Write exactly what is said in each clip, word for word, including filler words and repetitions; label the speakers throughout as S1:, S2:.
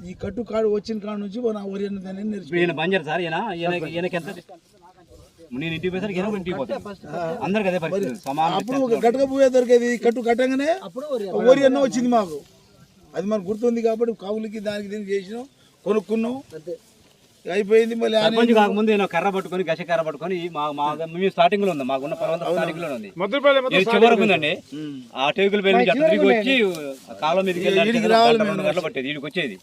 S1: ఈ కట్టు కాడు వచ్చిన కాడ నుంచి మన వరి అన్నదాన్ని నేర్చుకున్నాను.
S2: ఈయన బంజర్ సార్ ఈయన ఈయన- ఈయనకి ఎంత నేను ఇంటికి పోయేసరికి ఈయన కూడా ఇంటికి పోతాను. అందరికి అదే పరిస్థితి సమానం.
S1: అప్పుడు ఒక గట్టక పోయే దొరికేది కట్టు కట్టంగానే వరి అన్న వచ్చింది మాకు. అది మనకు గుర్తుంది కాబట్టి కావులకి దానికి దీనికి చేసినాం, కొనుక్కున్నాం, అయిపోయింది. మళ్ళీ
S2: సర్పంచ్ కాకముందు నేను కర్ర పట్టుకొని గస కర్ర పట్టుకొని మా మా మేము స్టార్టింగ్ లో ఉంది, మాకున్న పొలం స్టార్టింగ్ లో ఉంది, ఇది చివరకు ఉందండి. ఆ టేకుల పేరు నుంచి అట్లా తిరిగి వచ్చి కాలం మీదకి వెళ్ళి పట్టేది వీడికి వచ్చేది.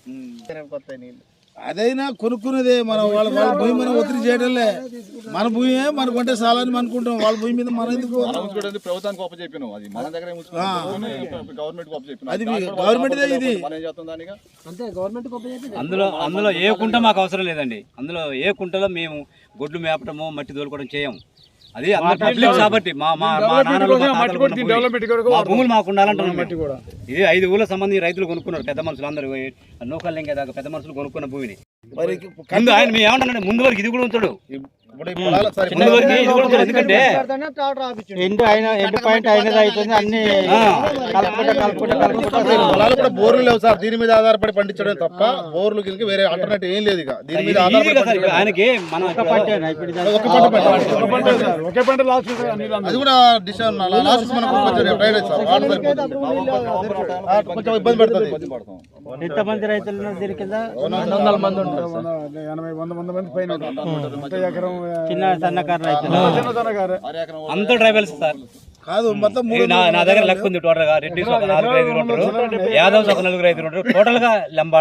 S1: అదైనా కొనుక్కున్నదే మనం వాళ్ళ వాళ్ళ భూమి మనం ఒత్తిడి చేయడంలే. మన భూమి మనకు అంటే చాలని అనుకుంటాం, వాళ్ళ భూమి మీద మనం ఎందుకు
S3: ప్రభుత్వానికి ఒప్ప చెప్పినాం, అది మన దగ్గర గవర్నమెంట్ ఒప్ప చెప్పినాం,
S1: అది గవర్నమెంట్ ఇది
S2: అందులో అందులో ఏ కుంట మాకు అవసరం లేదండి. అందులో ఏ కుంటలో మేము గొడ్లు మేపటము మట్టి తోలుకోవడం చేయము. అది పబ్లిక్ కాబట్టి మా మా భూములు మాకు ఉండాలంటున్నాం. ఇది ఐదు ఊళ్ళ సంబంధించి రైతులు కొనుక్కున్నారు, పెద్ద మనుషులు అందరూ నూకలు లెంకే దాకా పెద్ద మనుషులు కొనుక్కున్న భూమిని. ముందు ఆయన మేము ఏమంటానంటే ముందు వరకు ఇది కూడా ఉంచాడు, ఎందుకంటే
S4: ఎండు అయిన ఎండు పాయింట్ అయినది అవుతుంది. అన్ని
S3: పొలాలు కూడా బోర్లు లేవు సార్, దీని మీద ఆధారపడి పండించడం తప్ప బోర్లు కింద వేరే ఆల్టర్నేటివ్ ఏం లేదు. ఇక దీని మీద
S2: ఆయనకి మనం
S3: ఒక పంట ఒకే పంట అది కూడా లాస్ట్ మనకు కొంచెం ఇబ్బంది పడుతుంది.
S4: ఎంతమంది రైతులు దీని కింద
S1: వందల మంది ఉంటారు, ఎనభై వంద వంద మంది పైన ఎకరం
S4: చిన్న సన్నకారు రైతులు
S2: అంత ట్రైబల్స్ సార్
S1: కాదు. మొత్తం
S2: నా దగ్గర లెక్క ఉంది టోటల్ గా. రెడ్డి ఒక నలుగురు ఐదుగురు ఉంటారు, యాదవ్స్ ఒక నలుగురు ఐదుగురు ఉంటారు, టోటల్ గా లంబా